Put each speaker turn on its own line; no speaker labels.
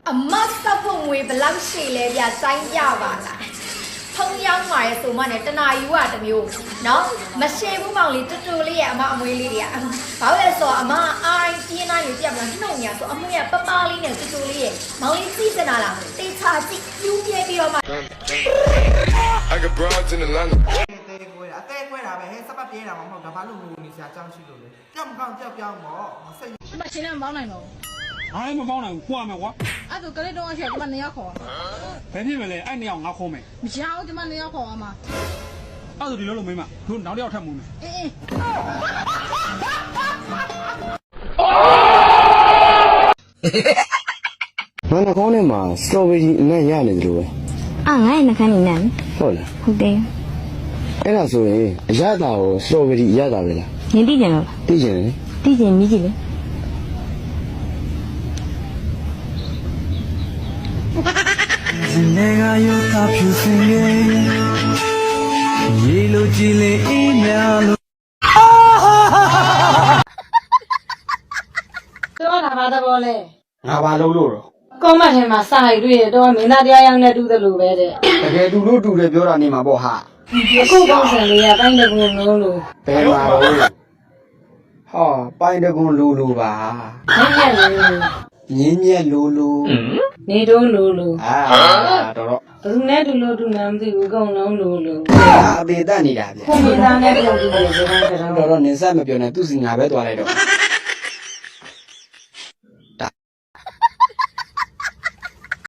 အမစပ်ဖို့ငွေဘလောက်ရှိလဲဗျစိုင်းပြပါလားထုံးရောက်มาရဲဆိုမှနဲ့တနာယူကတမျိုးเนาะမရှည်ဘူးမောင်လေးတူတူလေးရဲ့အမအမွေးလေးတွေကဘာလို့လဲဆိုတော့အမအိုင်းပြင်းနိုင်ပြပြမလားနှုတ်ညာဆိုအမွေးကပပလေးနဲ့တူတူလေးရဲ့မောင်လေးကြည့်စနာလားတေချာကြည့်ပြူးပြဲပြီးတော့မှ
I got broads in Atlanta.
အသေးခွဲတာပဲဟဲ့စပတ်ပြေးတာမှမဟုတ်တာဘာလို့ငိုနေစရာအကြောင်းရှိလို့လဲကြောက်မကောင်းကြောက်ပြောင်းပေါ့စိတ်
ဒီမှာရှင်နဲ့မပေါင်းနိုင်တော့
အားမပေါင်းနိုင်ဘူးခွာမယ်ကွာ
အဲ့ဒါကလေးတော့အချက်ဒီမှာ2ယောက်ခေါ်
ဘယ်ဖြစ်မလဲအဲ့နှစ်ယောက်ငါခေါ်မယ်
မရဘူးဒီမှာ2ယောက်ခေါ်အောင်မှာ
အဲ့ဒါဒီလိုလိုမင်းမတို့နောက်တစ်ယောက်ထပ်မှုမယ်
အေးအေး
ငါနှာခေါင်းထဲမှာစတော်ဘယ်ရီအနက်ရနေတယ်လို့ပဲ
အာငါ့ရဲ့နှခမ်းနေနဲ့
ဟုတ်လား
ဟုတ်တယ်
အဲ့ဒါဆိုရင်အရသာကိုစတော်ဘယ်ရီအရသာပဲလား
နင်သိကြတော့
သိကျင်တယ်
သိကြမြည်ကြည့်လေ
နေကရောတာဖြူစင်ရဲ့ရေလိုကြည်လေအေးများလို့
တော့ဒါဘာသဘောလဲ
ငါဘာလုပ်လို့တော့
ကောမတ်ထဲမှာစာရိုက်တွေ့ရတော့မင်းသားတရားရောက်နေတူတယ်လို့ပဲတဲ့
တကယ်တူလို့တူတယ်ပြောတာနေမှာပေါ့ဟာ
အခုကောင်းစံလေးကတိုင်းတကူလုံးလို့
ဘယ်မှာတော့ဟာပိုင်းတကွန်လိုလိုပါ
ညက်ညက်လို့
ညင်းညက်လိုလို
နေတော့လို့
အာတော့
ဘယ်သူနဲ့တူလို့တူနာမသိဘူးအကုန်လုံးလို့
အသေးတက်နေတာဗျ
ခုမင်းသားနဲ့တူတယ်ဆိုတော့
တော့နေဆက်မပြောနဲ့သူ့စီငါပဲသွားလိုက်တော့